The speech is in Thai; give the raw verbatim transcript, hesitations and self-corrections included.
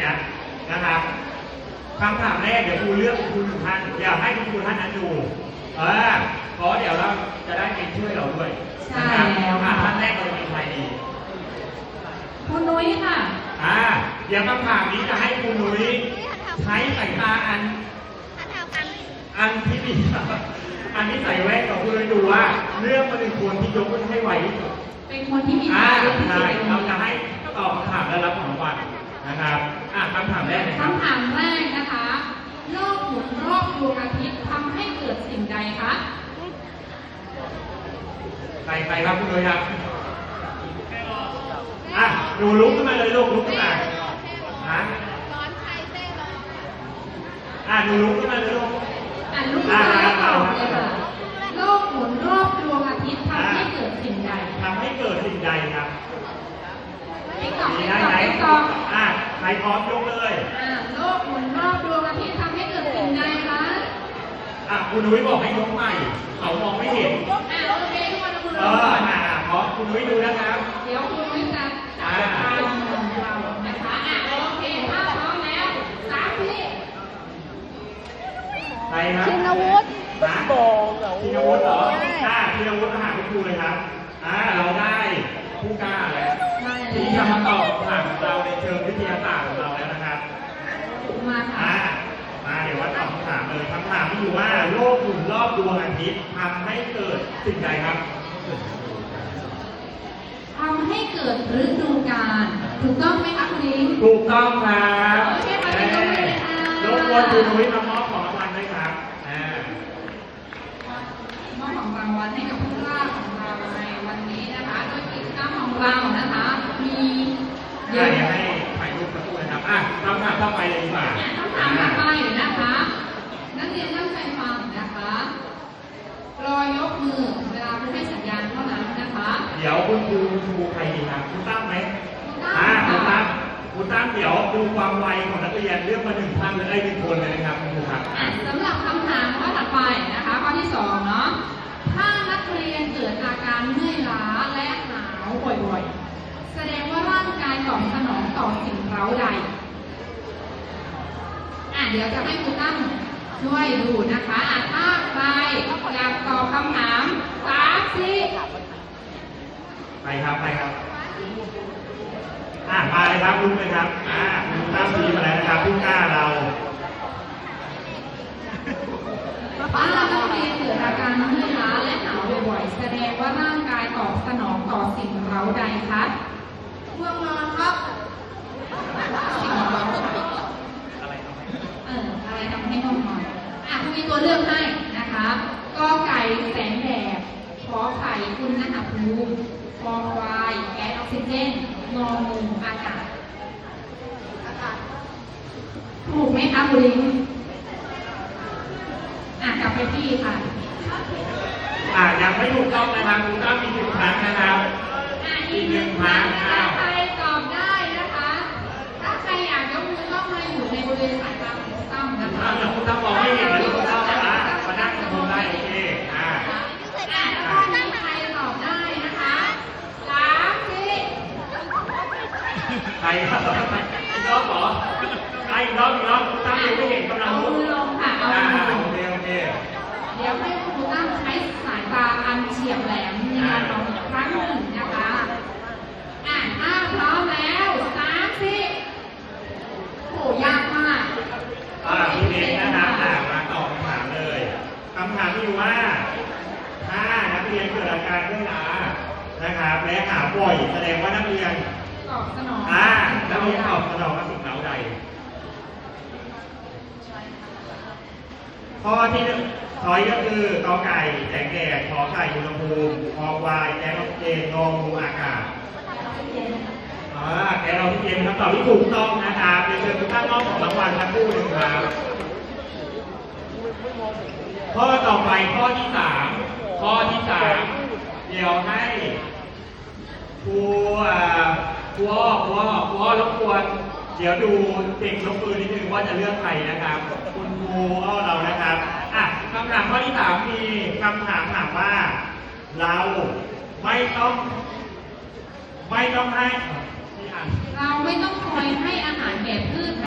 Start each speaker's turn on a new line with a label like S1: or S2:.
S1: นะนะครับคำถามแรกเดี๋ยวครูเลือกคุณครูท่านอยากให้คุณครูท่านนั้นดูเออเพราะเดี๋ยวเราจะได้เป็นช่วยเราด้วย
S2: ใช่แล้วค่ะ
S1: ท่านแรกเราเป็นใครดี
S2: คุณนุ้ยค่ะ
S1: อ่าเดี๋ยวคำถามนี้จะให้คุณนุ้ยใช้สายตาอันอันที่ดีอันที่ใส่แว่นของคุณนุ้ยดูว่าเรื่องมันเป็นคนที่ยกมือให้ไวที่สุด
S2: เป็นคนที่มี
S1: อ่า
S2: เยอะที่สุ
S1: ใช่
S2: ด
S1: เราจะให้ตอบคำถามและรับของรางวัลนะครับอ่าคำถามแรกนะครับ
S2: คำถามแรกนะคะโลกหมุนรอบดวงอาทิตย์ทำให้เกิดสิ่งใดคะ
S1: ใครใครครับคุณนุ้ยครับอ่ะหนูลุกขึ้นมาเลยลูกลุกขึ้นมาฮะอ่ะหนูลุกขึ้นมาเลยลูก
S2: อ่านลูกค้าตอบเลยค่ะโลกหมุนรอบดวงอาทิตย์ทำให้เกิดสิ่งใด
S1: ทำให้เกิดสิ่งใดครับ
S2: ติ๊กตอก
S1: มี
S2: ติ๊ก
S1: ได้
S2: ตอก
S1: ไหม
S2: ติ๊กตอก
S1: อ่ะใครพร้อมยกเลย
S2: อ่าโลกหมุนรอบดวงอาทิตย์ทำให้เกิดสิ่งใดคะ
S1: อ่ะคุณนุ้ยบอกให้ยกใหม่เขามองไม่เห็น
S2: อ่าโอเคทุกคนคุณ
S1: เอ
S2: รู้
S1: ออ่ะพร้อมคุณนุ้ยดูนะครับ
S2: เดี๋ยวคุณนุ้ยจะจับตามองเรานะคะอ่ะโอเคถ้าพร้อมแล้วสามที
S1: ใครครับ
S3: ชินวุฒิ
S1: นะชินวุฒิเหรออ่าชินวุฒิมาหาคุณครูเลยครับอ่าเราได้ผู้กล้าแล้วที่จะมาตอบคำถามของเราในเชิงวิทยาศาสตร์ของเราแล้วนะครับ
S2: มาค่ะ
S1: อ่ามาเดี๋ยวว่าตอบคำถามเลยคำถามมีอยู่ว่าโลกหมุนรอบดวงอาทิตย์ทำให้เกิดสิ่งใดครับ
S2: ทำให้เกิดฤดูกาลถูกต้องไหมคะคุณลิง
S1: ถูกต้องครับ
S2: โอเคค่ะเป็นตัวเลขค่ะ
S1: รบกวนคุณนุ้ยมามอบของรางวัลด้วยครับอ่าม
S2: อบของรางวัลให้กับผู้กล้าของเราในวันนี้นะคะโดยกิจกรรมของเรานะคะมีเย
S1: เดี๋ย
S2: อะ
S1: วให้ถ่ายรูปสักครู่นะครับอ่ะคำถามต่อไปเลยดีกว่า
S2: คำถามต่อไปนะคะนักเรียนตั้งใจฟังนะคะรอยกมือเวลาคุณให้สัญญาณเท่านั้นนะคะ
S1: เดี๋ยวคุณครูคุณครูใครดีครับคุณตั้มไหม
S2: ตั้
S1: อ่าคุณ
S2: ม
S1: ตั้
S2: ค่ะ
S1: มคุณตั้มเดี๋ยวดูความไวของนักเรียนเลือกมาหนึ่งท่านเลยได้หนึ่งคนเลยนะครับคุณครูครับ
S2: สำหรับคำถามข้อถัดไปนะคะข้อที่สองเนาะถ้านักเรียนเกิดอาการเมื่อยล้าและหนาวบ่อยๆแสดงว่าร่างกายตอบสนองต่อสิ่งเร้าใดอ่ะเดี๋ยวจะให้คุณตั้มช่วยดูนะคะอ่ะถ้าใครอยากตอบคำถามสามสี่
S1: ไปครับไปครับอ่ะมาเลยครับลุกเลยครับอ่าคุณตั้มพีมาแล้วนะครับผู้กล้าเรา
S2: ถ้านักเรียนเกิดอาการเมื่อยล้าและหนาวบ่อยๆแสดงว่าร่างกายตอบสนองต่อสิ่งเร้าใดคะง่วงนอนครับสิ่งเร้าเอออะไรทำให้ง่วงนอนอ่ะคุณมีตัวเลือกให้นะคะกอไก่แสงแดดขอไข่อุณหภูมิคอควายแก๊สออกซิเจนงองูอากาศอากาศถูกไหมคะคุณลิงอ่ะกลับไปที่ค่ะ
S1: อ่ายังไม่ถูกต้องนะครับคุณตั้มมีหนึ่งครั้งนะครับ
S2: อ่ะอีกหนึ่งครั้งถ้าใครตอบได้นะคะ ถ้าใครอยากยกมือต้องมาอยู่ในบริเวณสายตาของคุณตั้มนะ
S1: ถ้า
S2: คะ
S1: เดี๋ยวคุณตั้มมองไม่เห็นนะคุณตั้มนะมานั่งตรงได้โอเคอ่า
S2: อ่ะถ้ามีใครตอบได้นะคะสามสี่
S1: ใครครับอีกรอบเหรอใครอีกรอบอีกรอบคุณตั้มยังไม่เห็นกำลัง
S2: เอา
S1: ลุก
S2: มือลงค่ะเอา
S1: อ่า
S2: มือลง
S1: โอเคโอเค
S2: เดี๋ยวให้คุณตั้มใช้สายตาอันเฉียบแหลมในการมองอีกครั้งหนึ่งนะคะอ่ะถ้าพร้อมแล้วสามสี่โหยากมาก
S1: อ่าพี่เล็กนะครับอ่ามาตอบคำถามเลยคำถามที่ว่าถ้านักเรียนเกิดอาการเมื่อยล้านะครับและหาบ่อยแสดงว่านักเรียน
S2: ตอบสนอง
S1: อ่านักเรียนตอบสนองกับสิ่งเร้าใดข้อที่หนึ่งช้อยก็คือกอไก่แสงแดดขอไข่อุณหภูมิคอควายแก๊สออกซิเจนงองูอากาศอ่าแก๊สออกซิเจนคำตอบที่ถูกต้องนะครับเรียนเชิญทุกท่านมอบของรางวัลสักครู่หนึ่งครับข้อต่อไปข้อที่สามข้อที่สามเดี๋ยวให้ครูอ่าครูอ้อครูอ้อครูอ้อรบกวนเดี๋ยวดูเด็กยกมือนิดนึงว่าจะเลือกใครนะครับ คุณครูอ้อเรานะครับอ่ะคำถามข้อที่สามมีคำถามถามว่า เราไม่ต้อง ไม่ต้องให้ที่อ่าน
S2: เราไม่ต้องคอยให้อาหารแก่พืช